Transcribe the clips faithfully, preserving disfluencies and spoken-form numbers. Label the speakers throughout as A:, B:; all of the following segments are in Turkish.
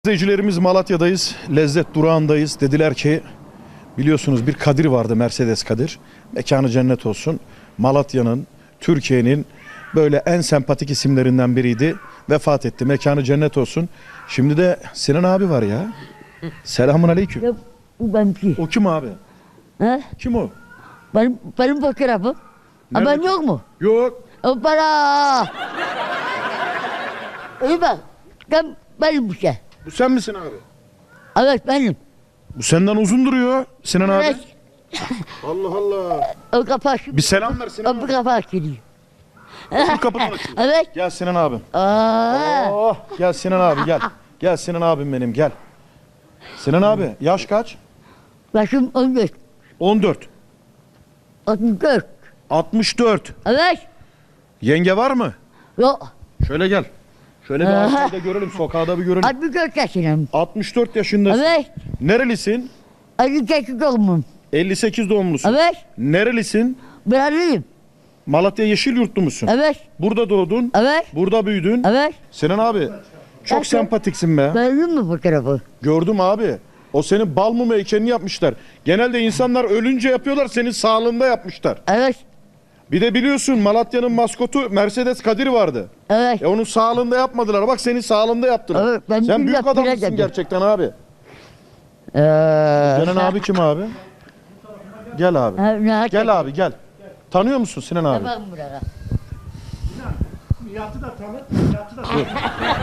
A: İzleyicilerimiz Malatya'dayız, lezzet durağındayız. Dediler ki biliyorsunuz bir Kadir vardı, Mercedes Kadir. Mekanı cennet olsun. Malatya'nın, Türkiye'nin böyle en sempatik isimlerinden biriydi. Vefat etti. Mekanı cennet olsun. Şimdi de Sinan abi var ya. Selamun aleyküm.
B: Ya bu benimki.
A: O kim abi?
B: He?
A: Kim o?
B: Benim, benim fotoğrafım. Ha, ben yok mu?
A: Yok.
B: Hoppala. İyi bak. Ben, benim bu şey.
A: Bu sen misin abi?
B: Evet benim.
A: Bu senden uzun duruyor Sinan abi.
B: Evet.
A: Allah Allah.
B: O kapağı şu.
A: Bir selam ver Sinan
B: O bu
A: abi.
B: kapağı açılıyor.
A: Şu kapıdan açıyor.
B: Evet.
A: Gel Sinan abim.
B: Aa.
A: Oh, gel Sinan abi gel. Gel Sinan abim benim gel. Sinan abi yaş kaç?
B: Başım on dört.
A: on dört.
B: otuz dört.
A: altmış dört.
B: Evet.
A: Yenge var mı?
B: Yok.
A: Şöyle gel. Şöyle bir
B: Aha.
A: arkayı da görelim, sokağda bir görelim.
B: altmış dört yaşındayım.
A: altmış dört yaşındasın.
B: Evet.
A: Nerelisin?
B: elli sekiz doğumluyum.
A: elli sekiz doğumlusun.
B: Evet.
A: Nerelisin?
B: Buralıyım.
A: Malatya Yeşilyurtlu musun?
B: Evet.
A: Burada doğdun.
B: Evet.
A: Burada büyüdün.
B: Evet.
A: Sinan abi çok
B: Evet.
A: sempatiksin be.
B: Beğendin mi fotoğrafı?
A: Gördüm abi. O senin bal mumu heykelini yapmışlar. Genelde insanlar ölünce yapıyorlar, senin sağlığında yapmışlar.
B: Evet.
A: Bir de biliyorsun Malatya'nın maskotu Mercedes Kadir vardı.
B: Evet.
A: E onun sağlığında yapmadılar. Bak senin sağlığında yaptılar.
B: Evet, ben
A: Sen büyük
B: yaptılar
A: adamsın
B: dedim.
A: gerçekten abi.
B: Ee,
A: Sinan abi kim abi? Gel abi.
B: Ha, ne
A: Gel abi gel. Tanıyor musun Sinan abi?
B: Tamam buraya.
C: Nihat'ı da tanıt, Nihat'ı da tanıt.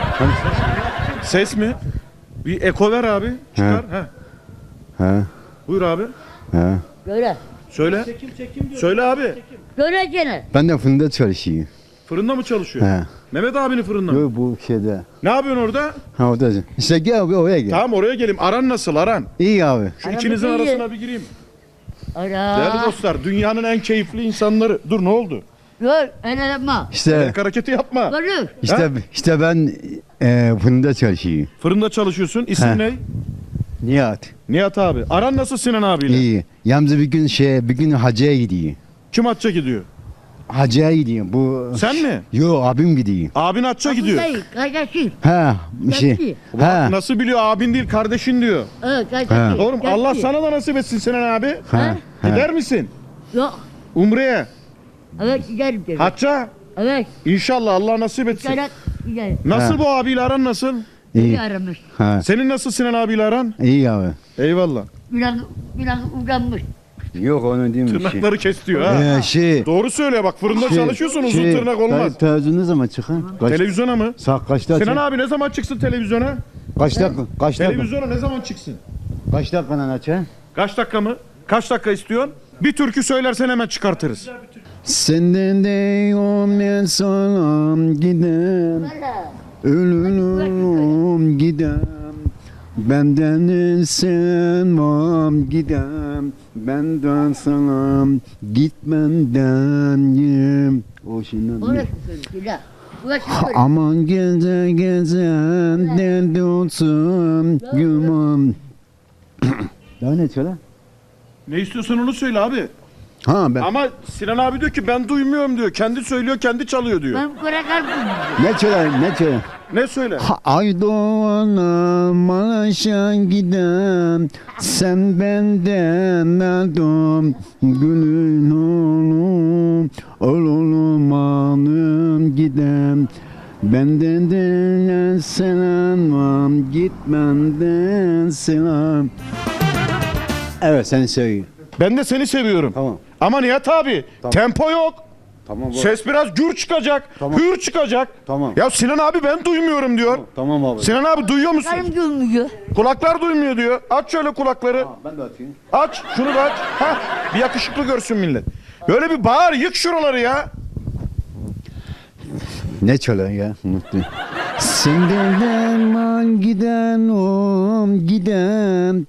A: Ses mi? Bir eko ver abi. Çıkar. He.
D: He,
A: Buyur abi.
D: he.
B: Göre.
A: Söyle.
C: Çekim çekim diyor.
A: Söyle abi.
B: Göre gene.
D: Ben de fırında çalışıyorum.
A: Fırında mı çalışıyor?
D: He.
A: Mehmet abinin fırında mı?
D: Yok bu şeyde.
A: Ne yapıyorsun orada?
D: Ha orada. İşte gel abi oraya gel.
A: Tamam oraya geleyim. Aran nasıl Aran?
D: İyi abi.
A: Şu
B: Aramız
A: ikinizin
B: iyi.
A: arasına bir gireyim.
B: Ana.
A: Değerli dostlar, dünyanın en keyifli insanları. Dur ne oldu?
B: Yok öyle yapma.
D: İşte
A: Ayak hareketi yapma.
B: Görür.
D: işte işte ben e, fırında çalışıyorum.
A: Fırında çalışıyorsun. İsim
D: He.
A: ne?
D: Nihat.
A: Nihat abi. Aran nasıl Sinan abiyle?
D: İyi. Yalnız bir gün şey bir gün hacıya gidiyor.
A: Kim hacca gidiyor?
D: Hacıya gidiyor. Bu
A: Sen mi?
D: Yok abim gidiyor.
A: Abin hacca gidiyor.
B: Değil, kardeşim.
D: Ha bir şey.
B: Gerçi.
D: Ha.
A: Nasıl biliyor? Abin değil kardeşin diyor.
B: Evet kardeşim.
A: Oğlum
B: Gerçi.
A: Allah sana da nasip etsin Sinan abi.
D: Ha.
A: Gider misin?
B: Yok.
A: Umre'ye,
B: Evet giderim dedi.
A: hacca.
B: Evet.
A: İnşallah Allah nasip etsin.
B: Giderim. Giderim.
A: Nasıl
D: Ha.
A: bu abiyle aran nasıl?
B: İyi
D: İyi.
B: aramış.
D: Ha.
A: Senin nasıl Sinan abiyle aran?
D: İyi abi.
A: Eyvallah.
B: Biraz, biraz uğramış.
D: Yok onu değil mi şey?
A: Tırnakları kes diyor ha.
D: Ee, şey.
A: Doğru söyle bak, fırında
D: şey,
A: çalışıyorsun, uzun
D: şey,
A: tırnak olmaz.
D: te- Televizyon ne zaman çıkın? Kaç,
A: Televizyona mı?
D: saat kaçta
A: Sinan
D: açın?
A: abi ne zaman çıksın televizyona?
D: Kaç dakika? Kaç dakika?
A: Televizyona ne zaman çıksın?
D: Kaç dakikadan açın?
A: Kaç dakika mı? Kaç dakika istiyorsun? Bir türkü söylersen hemen çıkartırız.
D: Senden de ben salam gidem, ölürüm gidem. Benden sen vam gidem, benden salam gitmenden yem. O şimdi
B: Orası söyledi. Burası söyledi.
D: aman gece gecenden dolsun yumam. Daha ne söyle?
A: Ne istiyorsan onu söyle abi.
D: Ha ben.
A: Ama Sinan abi diyor ki ben duymuyorum diyor. Kendi söylüyor, kendi çalıyor diyor.
B: Ben kurakar bulmuyorum.
D: Ne söyle ne söyle?
A: Ne söyle?
D: Ha, ay doğana Maraş'a gidem, sen benden aldım gülün oğlum, oğlum hanım gidem. Benden de selam var, gitmenden selam. Evet seni seviyorum.
A: Ben de seni seviyorum.
D: Tamam.
A: Ama Nihat abi tempo yok.
D: Tamam
A: Ses biraz gür çıkacak,
D: Tamam.
A: hür çıkacak.
D: Tamam.
A: Ya Sinan abi ben duymuyorum diyor.
D: Tamam abi.
A: Sinan abi duyuyor musun?
B: Karım gülmüyor.
A: Kulaklar duymuyor diyor. Aç şöyle kulakları.
D: Ben de atayım.
A: Aç, şunu da aç. Hah, bir yakışıklı görsün millet. Böyle bir bağır, yık şuraları ya.
D: Ne çalıyor ya? Unuttum. Senden derman giden om giden,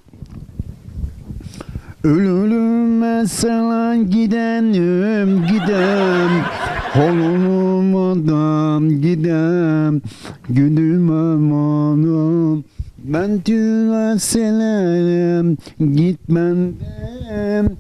D: ölürüm sana gidenim gidem, holunum adam gidem, gülüm amanım. Ben tüne senerim gitmenden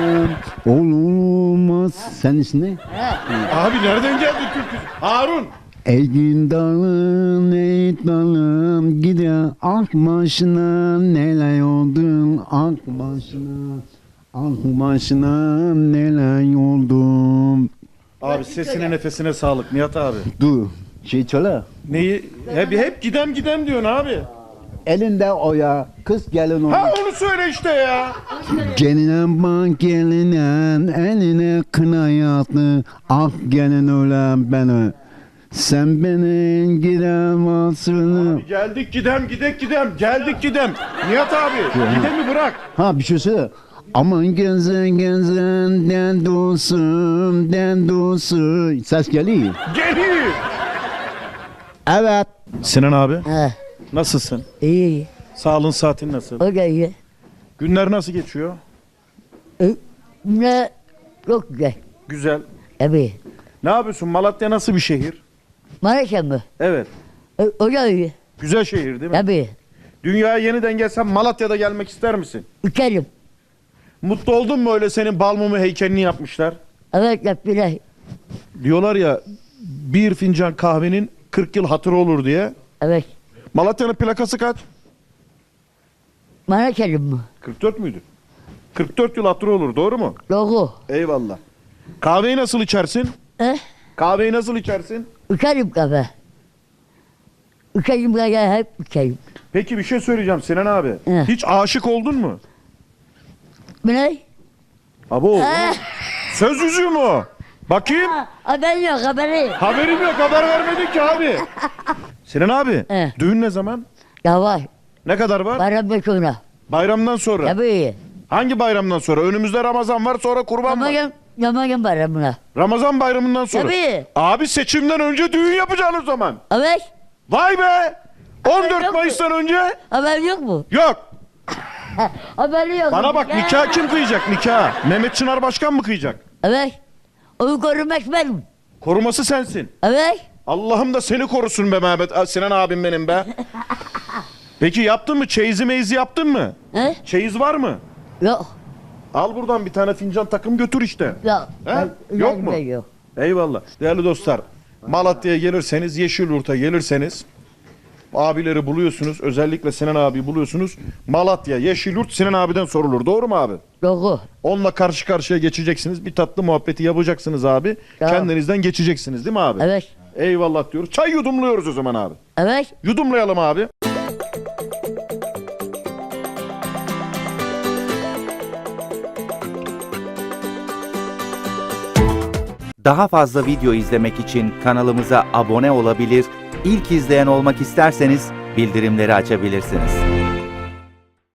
D: olmaz. Sen ismin ne?
A: Abi nereden geldi türkü? Harun.
D: Eğin dalım, ey dalım, gider ak başına neler oldu, ak başına, ak başına neler oldu.
A: Abi sesine nefesine sağlık Nihat abi.
D: Dur, şey söyle.
A: Neyi? Hep, hep gidem gidem diyorsun abi.
D: Elinde oya, kız gelin oya.
A: Ha onu söyle işte ya.
D: Geline bak geline, eline kına yattı, ak gelin ölen beni. Sen beni giremezsin.
A: Geldik gidem gidek gidem. Geldik gidem. Nihat abi gidemi bırak.
D: Ha bir şey söyle. Aman gezen gezen den dostum den dostum. Ses geliyor.
A: Geliyor.
D: Evet.
A: Sinan abi
B: He.
A: nasılsın?
B: İyi. Sağlığın
A: saatin nasıl?
B: O da iyi.
A: Günler nasıl geçiyor?
B: E, ne? Çok güzel.
A: Güzel.
B: Tabii.
A: Ne yapıyorsun? Malatya nasıl bir şehir?
B: Maraş'a mı?
A: Evet.
B: E, o da iyi.
A: Güzel şehir değil mi?
B: Tabii.
A: Dünyaya yeniden gelsen Malatya'da gelmek ister misin?
B: Uçarım.
A: Mutlu oldun mu öyle senin Balmumu heykelini yapmışlar?
B: Evet yaptılar.
A: Diyorlar ya bir fincan kahvenin kırk yıl hatırı olur diye.
B: Evet.
A: Malatya'nın plakası kaç?
B: Maraş'ım mı?
A: kırk dört müydü? kırk dört yıl hatırı olur doğru mu?
B: Doğru.
A: Eyvallah. Kahveyi nasıl içersin?
B: Eh?
A: Kahveyi nasıl içersin?
B: Uçarım kafe. Uçarım kafe hep uçarım.
A: Peki bir şey söyleyeceğim Sinan abi.
B: He.
A: Hiç aşık oldun mu?
B: Bu ne?
A: Abo.
B: Eh?
A: Söz yüzüğü mü o? Bakayım.
B: Ha, haber yok haberi.
A: Haberim yok haber vermedin ki abi. Sinan abi
B: He.
A: düğün ne zaman?
B: Ya var.
A: Ne kadar var?
B: Bayramda sonra.
A: Bayramdan sonra.
B: Tabii.
A: Hangi bayramdan sonra? Önümüzde Ramazan var sonra kurban var.
B: Yamayın, yamayın bayramına.
A: Ramazan bayramından sonra.
B: Tabii.
A: Abi seçimden önce düğün yapacaksın o zaman.
B: Evet.
A: Vay be. on dört
B: yok mu?
A: Mayıs'tan önce
B: Haber yok mu?
A: yok.
B: Ha, haberi yok.
A: Bana bak
B: Ya.
A: nikah kim kıyacak nikah? Mehmet Çınar Başkan mı kıyacak?
B: Evet. Onu korumak benim.
A: Koruması sensin.
B: Evet.
A: Allah'ım da seni korusun be Mehmet. Sinan abim benim be. Peki yaptın mı? Çeyizi meyzi yaptın mı?
B: He?
A: Çeyiz var mı?
B: Yok.
A: Al buradan bir tane fincan takım götür işte.
B: Yok.
A: He?
B: Ben-
A: Yok
B: ben-
A: mu?
B: ben Yok.
A: Eyvallah. Değerli dostlar, Malatya'ya gelirseniz, Yeşilyurt'a gelirseniz abileri buluyorsunuz. Özellikle Sinan abi buluyorsunuz. Malatya, Yeşilyurt Sinan abiden sorulur. Doğru mu abi?
B: Doğru.
A: Onunla karşı karşıya geçeceksiniz. Bir tatlı muhabbeti yapacaksınız abi.
B: Tamam.
A: Kendinizden geçeceksiniz değil mi abi?
B: Evet.
A: Eyvallah diyoruz. Çay yudumluyoruz o zaman abi.
B: Evet.
A: Yudumlayalım abi.
E: Daha fazla video izlemek için kanalımıza abone olabilir, ilk izleyen olmak isterseniz bildirimleri açabilirsiniz.